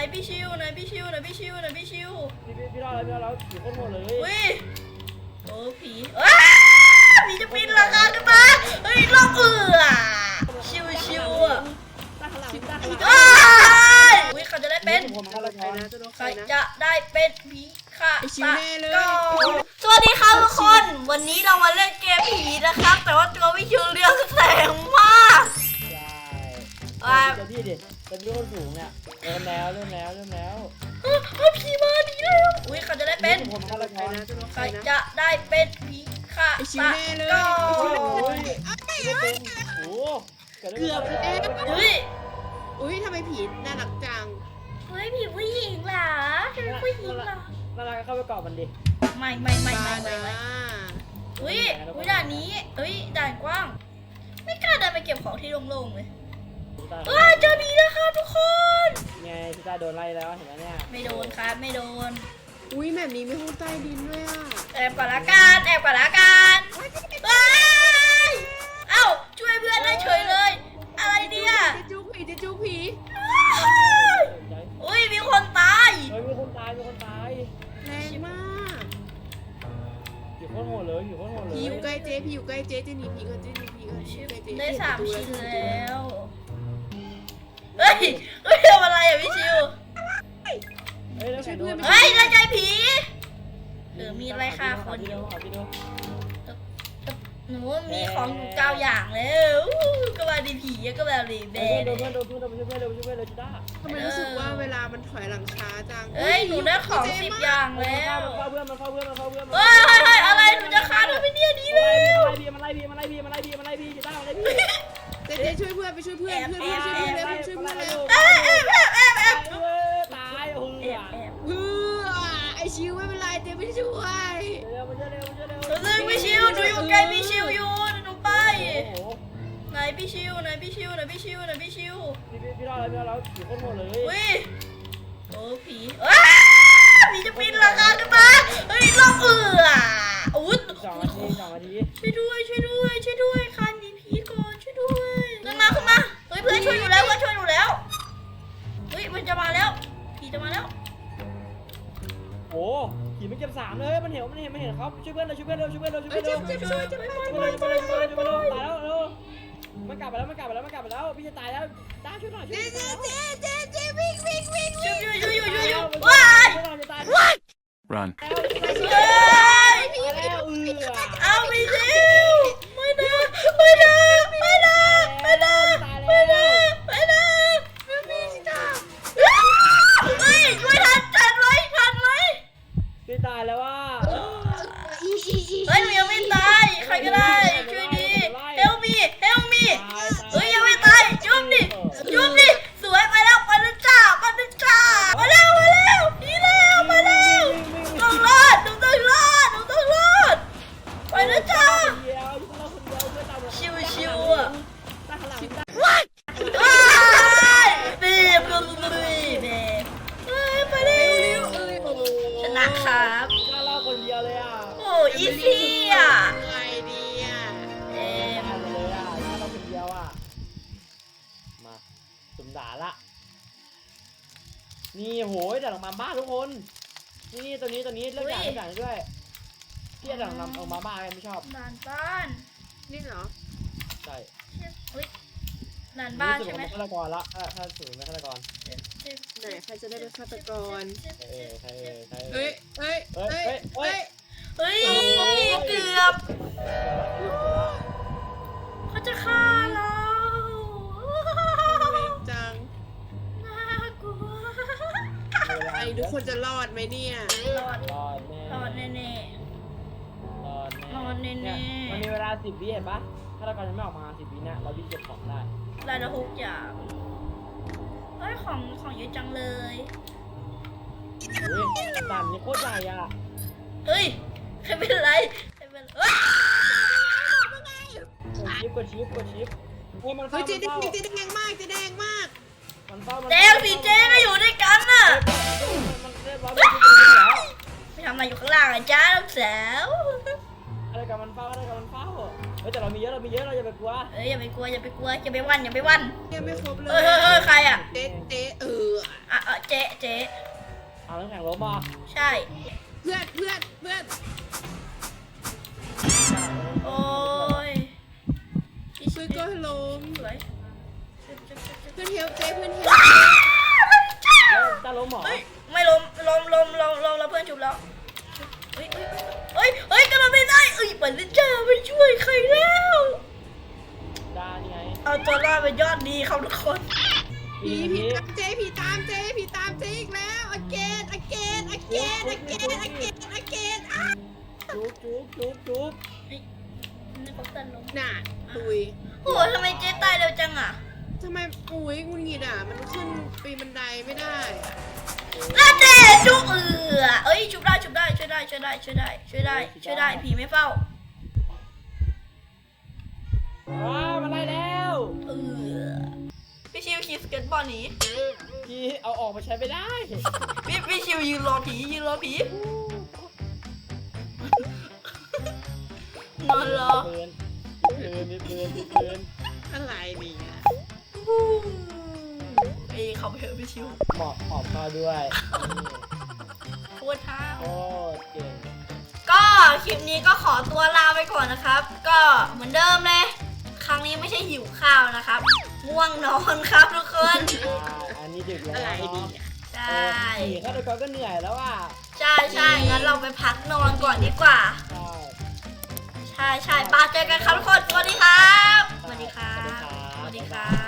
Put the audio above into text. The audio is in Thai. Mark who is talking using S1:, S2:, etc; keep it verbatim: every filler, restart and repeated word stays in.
S1: พี่ชิวไหนพี่ชิวไหนพี่ชิวไหนพี่ชิว
S2: พี่พี่พี่รอดแล้วพี่รอดแล้วผีโคตรโหดเลย
S1: อุ้ยโอ้ผีอ้าผีจะปีนหลังคาขึ้นมาเฮ้ยลอกเอือชิวชิวอ่ะ
S2: ตาขลังตาขลัง
S1: อ้ายอุ้ยเขาจะได้เป็น
S2: ผมมาแล้ว
S3: ใครนะจะโดน
S1: ใค
S3: ใค
S1: ร
S3: รนะ
S1: จะได้เป็นผีค่ะ
S3: ไอ้ชิวแน่เลย
S1: ก็สวัสดีครับทุกคนวันนี้เรามาเล่นเกมผีนะครับแต่ว่าตัวพี่ชิวเรืองแสงมาก
S2: ใช่เจ้าพี่ดิเป็นพี่คนสูงเนี่ยเริ่มแล้วเริ่มแล้วเริ่มแล้ว
S1: เฮ้ยผีมาดีแล้วอุ้ยเขาจะได้เป็น
S2: ผมมาแล้ว
S3: ใครนะจะโดน
S1: ใค
S3: ใค
S1: ร
S3: รนะ
S1: จะได้เป็นผีค่ะ
S3: ไอ้ชิวแน่เลย
S1: ก็
S2: โอ้ยไม่เป็นโอ้เกือบ
S3: เกือบแล้ว
S1: เฮ้ย
S3: อุ้ยทำไมผีน่ารักจัง
S1: เฮ้ยผีผู้หญิงเหรอจะเป็นผู้หญิงเหรอ
S2: น่ารักเข้าไปกอดมันดิ
S1: ไม่ไม่ไม่ไม่
S3: บ้า
S1: ไม่
S3: นะ
S1: ไม่อุ้ยอุ้ยด่านนี้เฮ้ยด่านกว้าง ไม่กล้าเดินไปเก็บของที่โล่งๆเลยเอ้ยเจอผีแล้วครับทุกคน
S2: ไงพี่ตาโดนไล่แล้วเห็นไหมเนี่ย
S1: ไม่โดนครับไม่โดน
S3: อุ้ยแบบนี้มีห้องใต้ดินด้วยอ่ะ
S1: แอบก่อนละกันแอบก่อนละกันเฮ้ยเอ้าช่วยเพื่อนได้เฉยเลย อะไรเนี่ย
S3: จะจุกผีจะจุกผี
S1: อุ้ยมีคนตาย
S2: เฮ้ยมีคนตายมีคนตาย
S3: แรงมาก
S2: ผีโคตรโหดเลยผีโคตรโหดเลย
S3: ผีอยู่ใกล้เจ๊ผีอยู่ใกล้เจ๊จะหนีผีก่อนเจ๊หนีผีก่อนใกล้เจ๊
S1: ได้สาม
S3: เห็
S1: ชิ้น
S3: ประตู
S1: แล้ว เฮ้ย เฮ้ยทำอะไรอ่ะพี่ชิว
S2: เฮ้ยแล้วแข่งโดน
S1: เฮ้ยได้ใจผีหรือมีอะไรค่ะคน
S2: ที่
S1: อ
S2: เดียว
S1: ยู่
S2: ขอที่เดียว
S1: หนูมีของอยู่เก้าอย่างแล้วอู้ก็มาดีผีก็แบบดีแบ
S2: โดน
S1: น
S2: เพื่อนโดนเพื่อนโดนเพื่อนโดนเพื่อนโดนชิต้า
S3: ทำไมรู้สึกว่าเวลามันถอยหลังช้าจัง
S1: เฮ้ยหนูได้ของสิบอย่าง
S2: มัน
S1: แล้ว
S2: เข้าเพื่อนมันเข้าเพื่อนมันเข้าเพื่อน
S1: เฮ้ยเฮ้ยเฮ้ยอะไรหนูจะฆ่าเธอไปเนี่ยดีแล้ว
S2: มันไล่บีมันไล่บีมันไล่บีมันไล่บีชิต้ามันไล่บี
S3: เจ๊เจ๊ช่วยเพื่อนไปช่วยเพื่อนเพื่อนเพื่อนช่วยเพื่อนเร็วช่วยเพื่อนเร็ว
S1: เอ้ยเอ้ยแอบแอบแอบ
S2: ตายโอ้โห
S1: แอบแอบ
S3: เพื่อไอชิวไม่เป็นไรเจ๊ไม่ช่วย
S2: เร็วมันจะเร็วมันจะเร็ว
S1: หนูซึ่งพี่ชิวหนูอยู่ใกล้พี่ชิวอยู่หนูไป
S2: โอ้โห
S1: ไหนพี่ชิวไหนพี่ชิวไหนพี่ชิวไหนพี่ชิว
S2: พี่พี่รอดแล้วพี่รอดแล้วผีโคตรโหดเลย
S1: อุ้ยโอ้ผีอ้าผีจะปีนหลังคาขึ้นมาเฮ้ยลอกเอืออุ้ย
S2: สองนาทีสองนาที
S1: ช่วยด้วยช่วยด้วยช่วยด้วยคันหนีผีก่อนช่วยด้วยขึ้นมาขึ้นมาเฮ้ยเพื่อนช่วยอยู่แล้วเพื่อนช่วยอยู่แล้วเฮ้ยมันจะมาแล้วผีจะมาแล้ว
S2: โอ้ผีมันเก็บสามเลยมันเห็นมันเห็นมันเห็นเขาช่วยเพื่อนเราช่วยเพื่อนเราช่วยเพื่อนเราช่วยเพื่อนเรา
S1: ช่วยช่วยช่วยช่วย
S2: ช่วย
S1: ช่วย
S2: เพื่อน
S1: ช่วย
S2: เรา
S1: ช่วย
S2: ช่วยเพื่อนเราตายแล้วเร็วมันกลับไปแล้วมันกลับไปแล้วมันกลับไปแล้วพี่จะตายแล้วตาช่วยหน่อยช่วย
S3: เจ๊
S2: หน่อย
S3: เจ๊เจ๊เจ๊วิ่งวิ่งวิ่ง
S1: ช่วยช่วยช่วยช่วยช่วยช่วย
S2: ว้า
S1: ว้าย
S2: จะตายแล้ว
S4: Run.
S1: เฮ้ย
S2: แล้วเอือ
S1: เอาไปสิไม่นะไม่นะไม่นะไม่นะไม่นะไม่นะไม่มีจ้าเฮ้ยช่วยทันทันไว้ทันไว้
S2: พี่ตายแล้วว่า
S3: อีอีอี
S1: เฮ้ยหนูยังไม่ตายใครก็ได้ช่วยดี help me help me เฮ้ยยังไม่ตายจุ๊บดิจุ๊บดิสวยไปแล้วไปแล้วจ้าไปแล้วจ้ามาแล้วมาแล้วนี่แล้วมาแล้วต้องรอดหนูต้องรอดหนูต้องรอดไปแล้วจ้า
S2: เดียวอยู่คนเดียวเพื่อนเรา
S1: ชิวชิวอ่ะ
S2: ตาขลังตา
S1: ว้ายเบบเบบเบบเฮ้ยไปเร็วชนะครับ
S2: ตาเราคนเดียวเลยอ่ะ
S1: โอ้อีซี่อ่ะ
S3: ไงดีอ่ะ
S1: เอ็ม
S2: ทำเลยอ่ะตาเราคนเดียวอ่ะมาสุ่มด่าละนี่โหยด่าลงมาบ้าทุกคนนี่ตัวนี้ตัวนี้เลือกด่าเลือกด่าด้วยพี่ด่าลงมาลงมาบ้าไม่ชอบ
S1: นานบ้าน
S3: นี่เหรอ
S2: ใช่
S1: เฮ้ยนานบ้านใช่ไหม
S2: ฆาตกรละถ้าถ้าสูงเป็นฆาตกร
S3: ไหนใครจะได้เป็นฆาตกร
S2: เออใครเออใคร
S3: เฮ้ยเฮ้ย
S2: เฮ้ย
S3: เฮ้ย
S2: เฮ้ย
S3: เฮ้ย
S1: เฮ้ยเกือบเขาจะฆ่าเรา
S3: เวงจัง
S1: น่ากลัว
S3: ไอ้ทุกคนจะรอดไหมเนี่ย
S1: รอด
S2: รอดแน่
S1: รอดแน่
S2: รอดแน่
S1: รอดแน่ๆ
S2: เนี่ยมันมีเวลาสิบวิเห็นปะฆาตกรยังไม่ออกมาสิบวิเนี่ยเราวิ่งเก็บของได้
S1: ๆรายละหกอย่างเฮ้ยของของเยอะจังเลย
S2: เฮ้ยด่านนี้โคตรใหญ่อ่ะ
S1: เฮ้ยใครเป็นไรใครเป็นเอ้ย
S2: กดชิปกดชิปกดชิปเฮ้ยมัน
S3: เฮ้
S2: เฝ้าย
S3: เจ๊
S2: มัน
S3: แด
S2: เฝ้าง
S3: เจ๊แดงมากเจ๊แดงมาก
S2: มันเฝ้ามัน
S1: เจลสีเจก็อยู่ด้วยกันน่ะ
S2: มันเรียบร้อยมันชิปมันแล้ว
S1: ไปทำอะไรอยู่ข้างล่างอ่ะจ้าลูกสาว
S2: อะไรกับมันเฝ้าอะไรกับมันเฝ้าเฮ้ยแต่เรามีเยอะเรามีเยอะเราอย่าไปกลัว
S1: เอ้ยอย่าไปกลัวอย่าไปกลัวอย่าไปวันอย่าไปวัน
S3: ยังไม่ครบเล
S1: เฮ้ย
S3: ย
S1: เฮ้ยเฮ้ยใครอ่ะ
S3: เจ๊เจ๊เออ
S1: อ่ะอ่ะเจ๊เจ๊
S2: เอาน้ำแข็งล้มมา
S1: ใช่
S3: เพื่อนเพื่อนเพื่อน
S1: โอ้ยพี่
S3: เพื่อนก็ล้ม
S1: สวย
S3: เพื่อนเฮลเจ๊เพื่อนเฮล
S2: แล้วจะล้มเหรอ
S1: เฮ้ยไม่ล้มล้มล้มล้มล้มแล้วเพื่อนชุบแล้วเฮ้ยเฮ้ยเฮ้ยเฮ้ยกระโดดไม่ได้เอ้ยปันนิจ้าไปช่วยใครแล้ว
S2: ดานี่ไง
S1: เอาตัวรอดเป็นยอดดีครับทุกคน
S3: ผีผีตามเจ๊ผีตามเจ๊ผีตามเจ๊อีกแล้ว again again again again again again อ่ะ
S2: จุ๊บจุ๊บจุ๊บจุ๊บ
S1: นี่เขาตันลง
S3: น่ะตุย
S1: โอ้โหทำไมเจ๊ตายเร็วจังอ่ะ
S3: ทำไมอุ้ยงุนงิดอ่ะมันขึ้นปีนบันไดไม่ได้
S1: น่าเจ๊ชุบเอือเอ้ยชุบได้ชุบได้ช่วยได้ช่วยได้ช่วยได้ช่วยได้ช่วยได้ผีไม่เฝ้า
S2: ว้าวมาได้แล้ว
S1: เออพี่ชิวขี่สเก็ตบอร์ดหนี
S2: พี่เอาออกมาใช้ไม่ได้
S1: พี่พี่ชิวยืนรอผียืนรอผีนอนรอ
S2: ปืนปืนมีปืนมีปืน
S3: อะไรเนี่ย
S1: เอ้ยเขาไปเถอะพี่ชิว
S2: เหมาะหอมมาด้วย
S1: โคตรท้า
S2: โอ้เก่ง
S1: ก็คลิปนี้ก็ขอตัวลาไปก่อนนะครับ ก็เหมือนเดิมเลยครั้งนี้ไม่ใช่หิวข้าวนะครับง่วงนอนครับทุกคน
S2: อันนี้ดึกแล้ว
S3: อะไร
S2: เนาะ
S3: ดีอ่ะ
S1: ใช่
S2: หนีฆาตกรก็เหนื่อยแล้วอ่ะ
S1: ใช่ใช่งั้นเราไปพักนอนก่อนดีกว่า
S2: ใช่
S1: ใช่ใช่ปาเจอกันครับทุกคนสวัสดีครับสวัสดีครับ
S2: ส
S1: ส
S2: วั
S1: วั
S2: ส
S1: ส
S2: ดี
S1: ดี
S2: ค
S1: ค
S2: รั
S1: รับ บ